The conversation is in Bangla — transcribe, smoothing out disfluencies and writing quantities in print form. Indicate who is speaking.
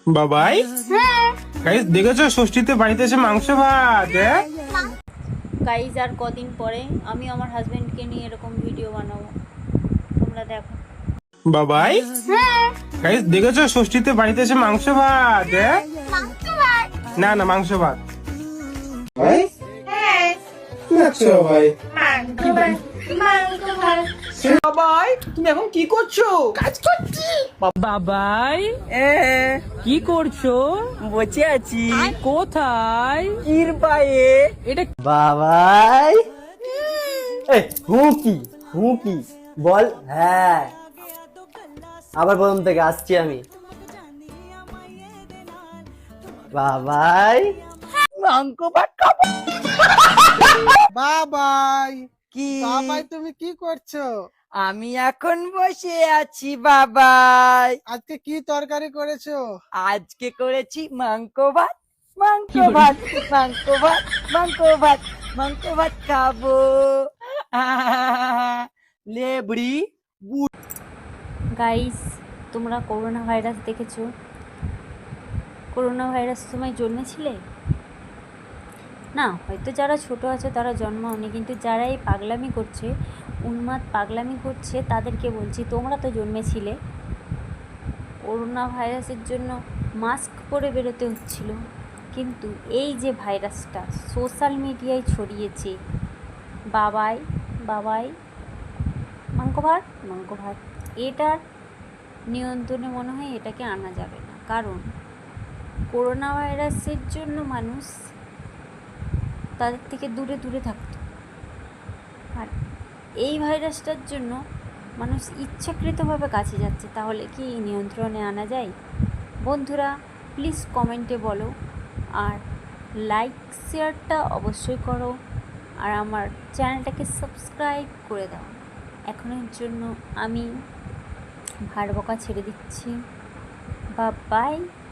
Speaker 1: বাবাই গাইস দেখেছো ষষ্ঠীতে বাড়িতে এসে মাংস ভাত।
Speaker 2: গাইজ আর কদিন পরে আমি আমার হাজবেন্ডকে নিয়ে এরকম ভিডিও বানাবো, তোমরা দেখো।
Speaker 1: বাবাই গাইস দেখেছো ষষ্ঠীতে বাড়িতে এসে মাংস ভাত। না না মাংস ভাত ভাই।
Speaker 3: বাবাই তুমি এখন কি করছো? কাজ করছি।
Speaker 4: বাবাই কি করছো?
Speaker 3: বসে আছি।
Speaker 4: কোথায়?
Speaker 3: কিরপায়ে।
Speaker 4: এটা
Speaker 3: বাবাই হুকি বল। হ্যাঁ আবার প্রথম থেকে আসছি আমি। বাবাই মাংস ভাত খাবো।
Speaker 5: বাবাই
Speaker 3: কি
Speaker 5: বাবাই তুমি কি করছো?
Speaker 3: আমি এখন বসে আছি বাবাই।
Speaker 5: আজকে কি তরকারি করেছো?
Speaker 3: আজকে করেছি মাংস ভাত। মাংস ভাত মাংস ভাত মাংস ভাত মাংস ভাত খাবো। লেবড়ি
Speaker 2: গাইজ তোমরা করোনা ভাইরাস দেখেছো? করোনা ভাইরাস সময় জন্মেছিলে না? হয়তো যারা ছোট আছে তারা জন্মাওনি, কিন্তু যারা এই পাগলামি করছে, উন্মাদ পাগলামি করছে, তাদেরকে বলছি তোমরা তো জন্মেছিলে। করোনা ভাইরাসের জন্য মাস্ক পরে বেরোতে হচ্ছিল, কিন্তু এই যে ভাইরাসটা সোশ্যাল মিডিয়ায় ছড়িয়েছে, বাবাই বাবাই মাংস ভাত, এটার নিয়ন্ত্রণে মনে হয় এটাকে আনা যাবে না। কারণ করোনা ভাইরাসের জন্য মানুষ তাদের থেকে দূরে দূরে থাকতো, আর এই ভাইরাসটার জন্য মানুষ ইচ্ছাকৃতভাবে কাছে যাচ্ছে। তাহলে কি নিয়ন্ত্রণে আনা যায়? বন্ধুরা প্লিজ কমেন্টে বলো, আর লাইক শেয়ারটা অবশ্যই করো, আর আমার চ্যানেলটাকে সাবস্ক্রাইব করে দাও। এখনের জন্য আমি ভাড় বকা ছেড়ে দিচ্ছি। বাই।